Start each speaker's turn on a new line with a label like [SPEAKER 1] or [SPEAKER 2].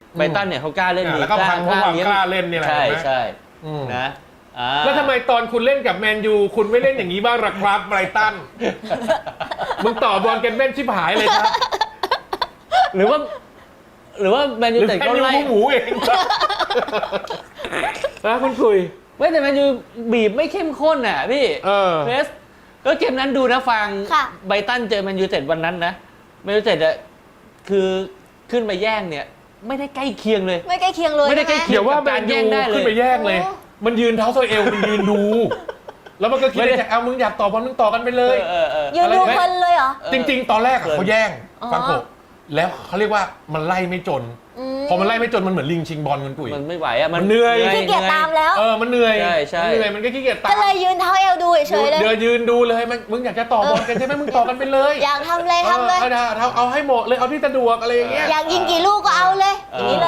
[SPEAKER 1] ไบรตันเนี่ยเขากล้าเล่นดี
[SPEAKER 2] แล้วก็พังเพราะความกล้าเล่นนี่แหละ
[SPEAKER 1] ใช่นะ
[SPEAKER 2] แล้วทำไมตอนคุณเล่นกับแมนยูคุณไม่เล่นอย่างนี้บ้างล่ะครับไบรตันมึงต่อบอลกันแม่นชิบหายเลยครับ
[SPEAKER 1] หรือว่าแมนยูแต่ก็ไล่
[SPEAKER 2] หมูเองนะคุณคุย
[SPEAKER 1] ไม่แต่แมนยูบีบไม่เข้มข้นอ่ะพี่เพรสก็เกมนั้นดูนะฟังไบรตันเจอแมนยูเต็ดวันนั้นนะแมนยูเต็ดอ่ะคือขึ้นไปแย่งเนี่ยไม่ได้ใกล้เคียงเลย
[SPEAKER 3] ไม่ใกล้เคียงเลย
[SPEAKER 1] ไม่ได้ใกล้เคียงกับการแย่งได้เลย
[SPEAKER 2] ขึ้นไปแย่งเลยมันยืนเท้าโซเอลมันยืนดูแล้วมันก็คิดว่าเอามึงอยากต่อบอลมึงต่อกันไปเลย
[SPEAKER 3] ยืนดูเพลินเลยเหรอ
[SPEAKER 2] จริงๆตอนแรกเขาแย่งฟังโกแล้วเขาเรียกว่ามันไล่ไม่จนพอมันไล่ไม่จนมันเหมือนลิงชิงบอลกันกุ๋ย
[SPEAKER 1] มันไม่ไหวอ่ะมัน
[SPEAKER 2] เหนื่อย
[SPEAKER 3] ขี้เกียจตามแล้ว
[SPEAKER 2] มันเหนื่อย
[SPEAKER 1] ใช่
[SPEAKER 2] เหนื่อยมันก็ขี้เกียจตาม
[SPEAKER 3] ก็เลยยืนเท้าเอวดูเฉยเลย
[SPEAKER 2] เดี๋ยวยืนดูเลยมึงอยากจะต่อบอลกันใช่ไหมมึงต่อกันไปเลย
[SPEAKER 3] อยากทำเลยทำเลย
[SPEAKER 2] เอาให้หมดเลยเอาที่สะดวกอะไรอย่างเงี้ย
[SPEAKER 3] อยากยิงกี่ลูกก็เอาเลยอย่างนี้